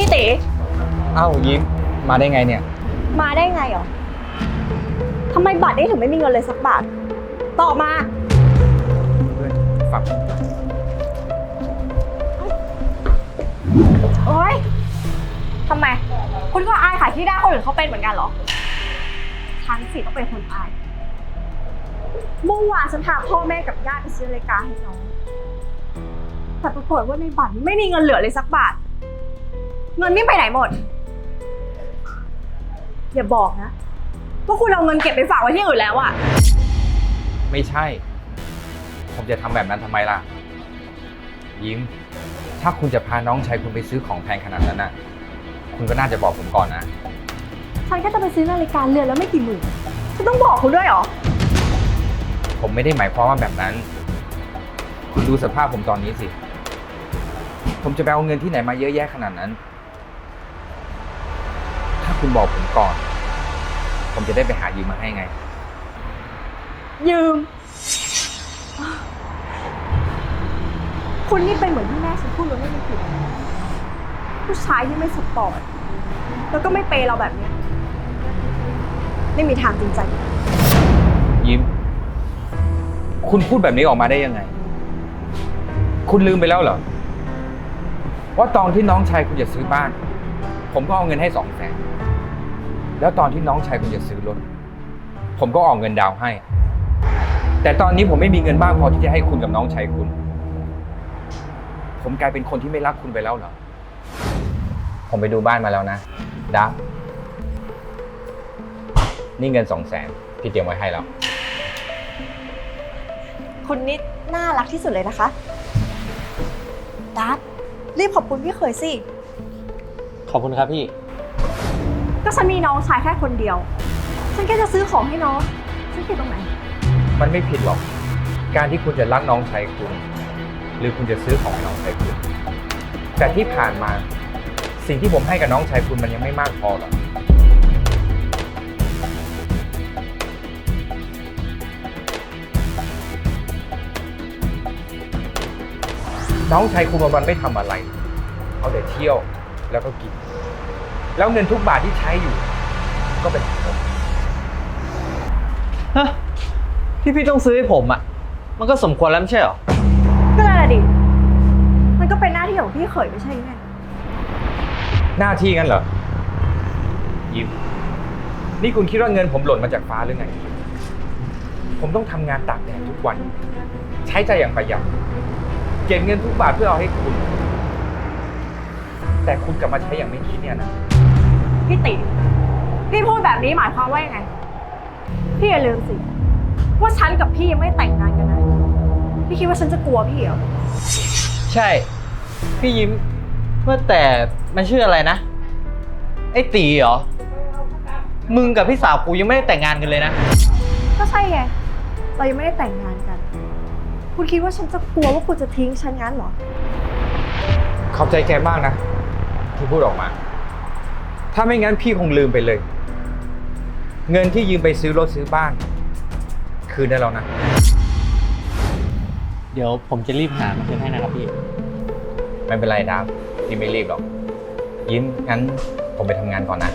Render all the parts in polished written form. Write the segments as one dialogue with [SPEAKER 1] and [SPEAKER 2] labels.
[SPEAKER 1] พี่ตี
[SPEAKER 2] อ้าวยิ้มมาได้ไงเนี่ย
[SPEAKER 1] มาได้ไงหรอทำไมบัตรนี้ถึงไม่มีเงินเลยสักบาทตอบมา
[SPEAKER 2] เพื่อนฝัก
[SPEAKER 1] โอ๊ยทำไมคุณก็อายขายที่ได้คนอื่นเขาเป็นเหมือนกันเหรอฉันสิต้องเป็นคนอายเมื่อวานฉันพาพ่อแม่กับญาติไปซื้อนาฬิกาให้น้องแต่ปรากฏว่าในบัตรไม่มีเงินเหลือเลยสักบาทเงินนี่ไปไหนหมดอย่าบอกนะว่าคุณเอาเงินเก็บไปฝากไว้ที่อื่นแล้วอะ
[SPEAKER 2] ไม่ใช่ ผมจะทำแบบนั้นทำไมล่ะยิ้มถ้าคุณจะพาน้องชายคุณไปซื้อของแพงขนาดนั้นน่ะคุณก็น่าจะบอกผมก่อนนะ
[SPEAKER 1] ฉันแค่จะไปซื้อนาฬิกาเรือนแล้วไม่กี่หมื่นฉันต้องบอกคุณด้วยเหรอ
[SPEAKER 2] ผมไม่ได้หมายความว่าแบบนั้นคุณดูสภาพผมตอนนี้สิผมจะไปเอาเงินที่ไหนมาเยอะแยะขนาดนั้นถ้าคุณบอกผมก่อนผมจะได้ไปหายืมมาให้ไง
[SPEAKER 1] ยืมคุณนี่เป็นเหมือนที่แม่ฉันพูดเลยไม่มีผิดผู้ชายที่ไม่สปอร์ตแล้วก็ไม่เปย์เราแบบนี้ไม่มีทางจริงใจ
[SPEAKER 2] ยิ้มคุณพูดแบบนี้ออกมาได้ยังไงคุณลืมไปแล้วเหรอว่าตอนที่น้องชายคุณจะซื้อบ้านผมก็เอาเงินให้200,000แล้วตอนที่น้องชายคุณจะซื้อรถผมก็ออกเงินดาวให้แต่ตอนนี้ผมไม่มีเงินบ้างพอที่จะให้คุณกับน้องชายคุณผมกลายเป็นคนที่ไม่รักคุณไปแล้วเหรอผมไปดูบ้านมาแล้วนะดานี่เงิน200,000พี่เตรียมไว้ให้แล้ว
[SPEAKER 1] คุณนี่น่ารักที่สุดเลยนะคะดับรีบขอบคุณพี่เขยสิ
[SPEAKER 3] ขอบคุณครับพี่
[SPEAKER 1] ก็ฉันมีน้องชายแค่คนเดียวฉันแค่จะซื้อของให้น้องฉันผิดตรงไหน
[SPEAKER 2] มันไม่ผิดหรอกการที่คุณจะรักน้องชายคุณหรือคุณจะซื้อของให้น้องชายคุณแต่ที่ผ่านมาสิ่งที่ผมให้กับน้องชายคุณมันยังไม่มากพอหรอกน้องชายคุณวันๆไม่ทำอะไรเอาแต่เที่ยวแล้วก็กินแล้วเงินทุกบาทที่ใช้อยู่ก็เป็นของผม
[SPEAKER 3] ฮะที่พี่ต้องซื้อให้ผมอ่ะมันก็สมควรแล้วไม่ใช่หรอ
[SPEAKER 1] ก็นั่นแหละดิมันก็เป็นหน้าที่ของพี่เขยไม่ใช่ไง
[SPEAKER 2] หน้าที่งั้นเหรอยิ้มนี่คุณคิดว่าเงินผมหล่นมาจากฟ้าหรือไงผมต้องทำงานตากแดดทุกวันใช้ใจอย่างประหยัดเก็บเงินทุกบาทเพื่อเอาให้คุณแต่คุณกลับมาใช้อย่างไม่คิดเนี่ยนะ
[SPEAKER 1] พี่ติพี่พูดแบบนี้หมายความว่ายังไงพี่อย่าลืมสิว่าฉันกับพี่ยังไม่แต่งงานกันนะพี่คิดว่าฉันจะกลัวพี่เหรอ
[SPEAKER 3] ใช่พี่ยิ้มว่าแต่มันชื่ออะไรนะไอ้ตีเหรอมึงกับพี่สาวกูยังไม่ได้แต่งงานกันเลยนะ
[SPEAKER 1] ก็ใช่ไงเรายังไม่ได้แต่งงานกันคุณคิดว่าฉันจะกลัวว่าคุณจะทิ้งฉันงั้นเหรอ
[SPEAKER 2] ขอบใจแกมากนะที่พูดออกมาถ้าไม่งั้นพี่คงลืมไปเลยเงินที่ยืมไปซื้อรถซื้อบ้านคืนได้แล้วนะ
[SPEAKER 3] เดี๋ยวผมจะรีบหามาคืนให้นะครับพี่
[SPEAKER 2] ไม่เป็นไรดับพี่ไม่รีบหรอกยิ้มงั้นผมไปทำงานก่อนนะ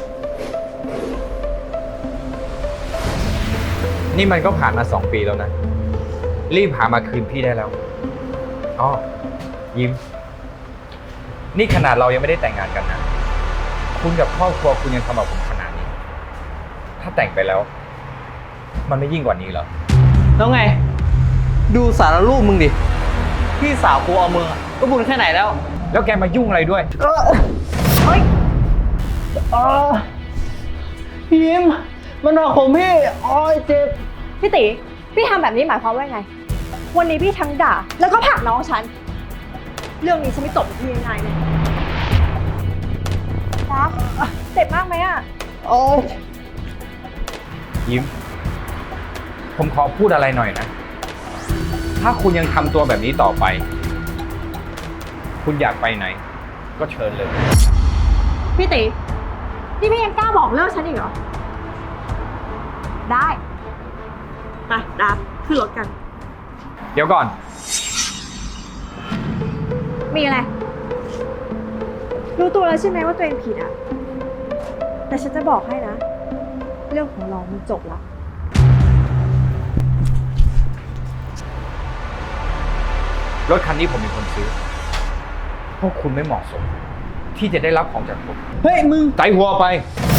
[SPEAKER 2] นี่มันก็ผ่านมา2 ปีแล้วนะรีบหามาคืนพี่ได้แล้วอ๋อยิ้มนี่ขนาดเรายังไม่ได้แต่งงานกันนะคุณกับครอบครัวคุณยังทำกับผมขนาดนี้ถ้าแต่งไปแล้วมันไม่ยิ่งกว่านี้เหรอ
[SPEAKER 3] แล้วไงดูสารรูปมึงดิพี่สาวกูเอามือก็บุญแค่ไหนแล้ว
[SPEAKER 2] แกมายุ่งอะไรด้วย
[SPEAKER 1] เฮ้ย
[SPEAKER 3] พี่ยิ้มมันเอาของพี่อ้อยเจ็บ
[SPEAKER 1] พี่ติพี่ทำแบบนี้หมายความว่าไงวันนี้พี่ทั้งด่าแล้วก็ผลักน้องฉันเรื่องนี้ฉันไม่จบกับพี่ง่ายๆเลยดับเจ็บมากไหมอ่ะ
[SPEAKER 3] โอ้
[SPEAKER 2] ยิ้มผมขอพูดอะไรหน่อยนะถ้าคุณยังทำตัวแบบนี้ต่อไปคุณอยากไปไหนก็เชิญเลย
[SPEAKER 1] พี่ตินี่พี่ยังกล้าบอกเลิกฉันอีกเหรอได้ไปดับขึ้นรถกัน
[SPEAKER 2] เดี๋ยวก่อน
[SPEAKER 1] มีอะไรรู้ตัวแล้วใช่ไหมว่าตัวเองผิดอ่ะ แต่ฉันจะบอกให้นะ เรื่องของเรามันจบแล้ว
[SPEAKER 2] รถคันนี้ผมเป็นคนซื้อ พวกคุณไม่เหมาะสม ที่จะได้รับของจากผม
[SPEAKER 3] เฮ้ยมึง
[SPEAKER 2] ใส่หัวไป
[SPEAKER 3] เ